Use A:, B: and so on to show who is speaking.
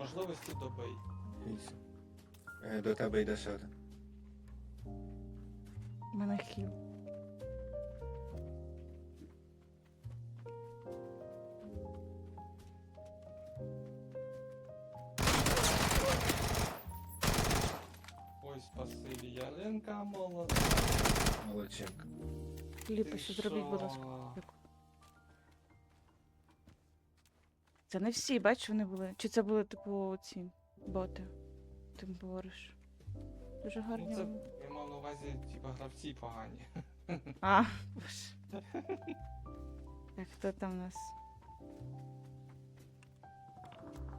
A: можливості добий.
B: Ізі. До тебе йде ще один.
C: У мене хіл.
A: Ой, спасибі, Ялинка молода.
B: Молодчинка.
C: Ліпище зробіть, будь ласка. Дякую. Це не всі, бачиш, вони були. Чи це були, типу, ці боти? Ти говориш. Дуже гарні.
A: Ну це,
C: вони.
A: я мав на увазі, типа, гравці погані.
C: А, боже. Так, хто там у нас?